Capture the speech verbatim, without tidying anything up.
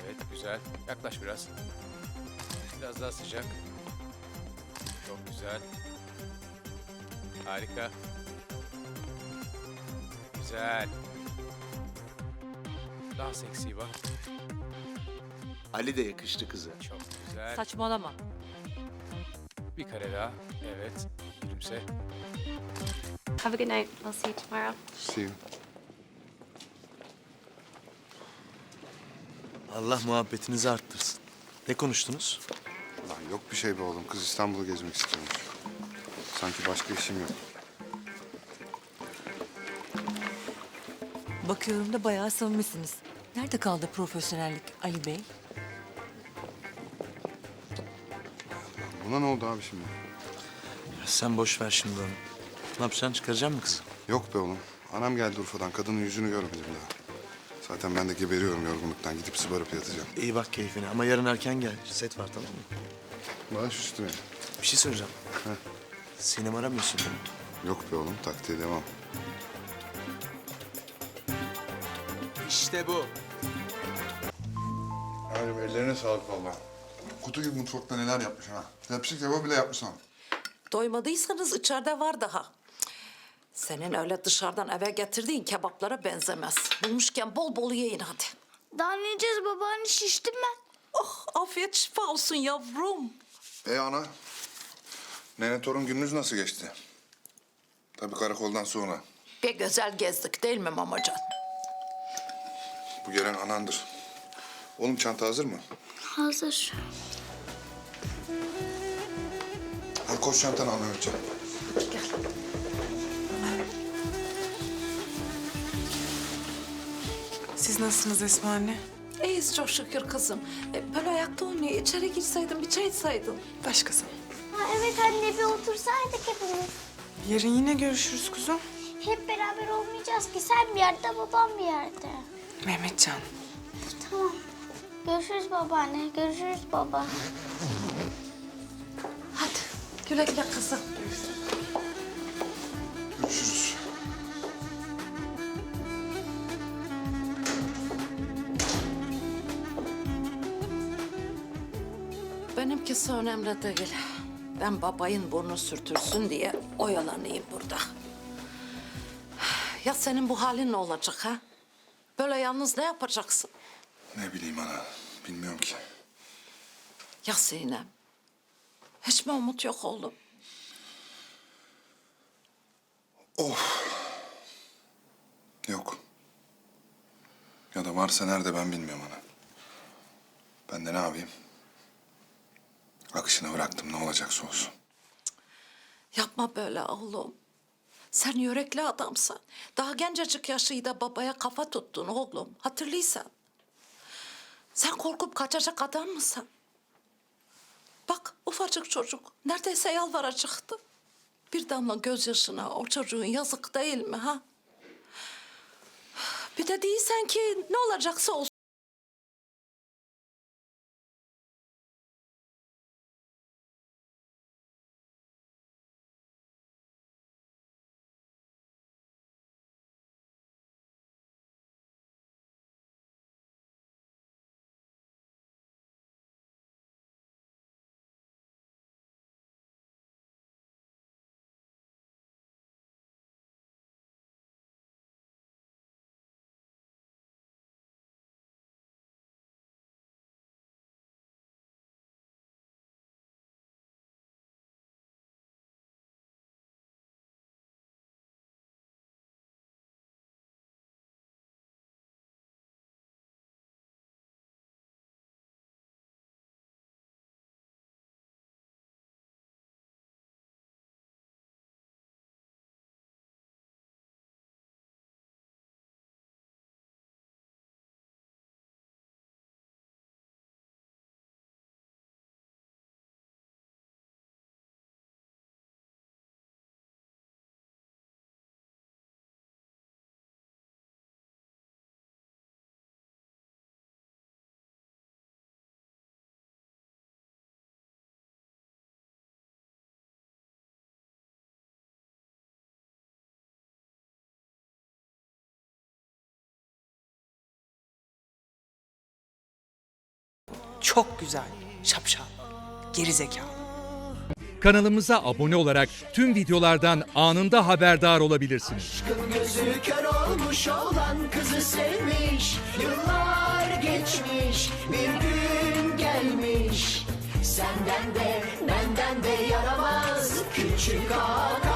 Evet, güzel. Yaklaş biraz. Biraz daha sıcak. Çok güzel. Harika. Güzel. Daha seksi bak. Ali de yakıştı kıza. Çok güzel. Saçmalama. Bir kare daha. Evet. Gülümse. Have a good night. I'll see you tomorrow. See you. Allah muhabbetinizi arttırsın. Ne konuştunuz? Lan yok bir şey be oğlum. Kız İstanbul'u gezmek istiyormuş. Sanki başka işim yok. Bakıyorum da bayağı samimisiniz. Nerede kaldı profesyonellik Ali Bey? Buna ne oldu abi şimdi? Ya sen boş ver şimdi onu. Ne yapacaksın? Çıkaracak mısın kızı? Yok be oğlum. Anam geldi Urfa'dan. Kadının yüzünü görmedim daha. Zaten ben de geberiyorum yorgunluktan. Gidip sıbarıp yatacağım. İyi bak keyfine ama yarın erken gel. Set var tamam mı? Baş üstüne. Bir şey soracağım. Sinem aramıyorsun değil mi? Yok be oğlum. Taktiğe devam. İşte bu. Halim ellerine sağlık valla. Kutu gibi mutfakta neler yapmış ha. Tepsi kebabı bile yapmış ha. Doymadıysanız içeride var daha. Senin öyle dışarıdan eve getirdiğin kebaplara benzemez. Bulmuşken bol bol yiyin hadi. Daha ne yiyeceğiz babaanne? Şiştim ben. Oh afiyet şifa olsun yavrum. E ana. Nene torun gününüz nasıl geçti? Tabii karakoldan sonra. Bir güzel gezdik değil mi mamacan? Bu gelen anandır. Oğlum çanta hazır mı? Hazır. Hadi koş çantanı al Mehmetciğim. Siz nasılsınız Esma anne? İyiyiz çok şükür kızım. E, böyle ayakta oynuyor. İçeri girseydin bir çay içseydin. Başkası. Ha, evet anne bir otursaydık hepimiz. Yarın yine görüşürüz kuzum. Hep beraber olmayacağız ki. Sen bir yerde, babam bir yerde. Mehmetcan. Tamam. Görüşürüz babaanne. Görüşürüz baba. Hadi güle güle kızım. Görüşürüz. Benimkisi önemli değil. Ben babayın burnu sürtürsün diye oyalanayım burada. Ya senin bu halin ne olacak ha? Böyle yalnız ne yapacaksın? Ne bileyim ana. Bilmiyorum ki. Ya Sinem? Hiç mi umut yok oğlum? Yok. Ya da varsa nerede ben bilmiyorum ana. Ben de ne yapayım? Akışına bıraktım ne olacaksa olsun. Yapma böyle oğlum. Sen yürekli adamsın. Daha gencecik yaşıyla babaya kafa tuttun oğlum. Hatırlıysan. Sen korkup kaçacak adam mısın? Bak ufacık çocuk neredeyse yalvaracaktı. Bir damla gözyaşına o çocuğun yazık değil mi ha? Bir de değilsen ki ne olacaksa olsun. Çok güzel. Şapşal. Geri zekalı. Kanalımıza abone olarak tüm videolardan anında haberdar olabilirsiniz. Gözü kör olmuş olan kızı sevmiş. Yıllar geçmiş, bir gün gelmiş. Senden de benden de yaramaz küçük ağa.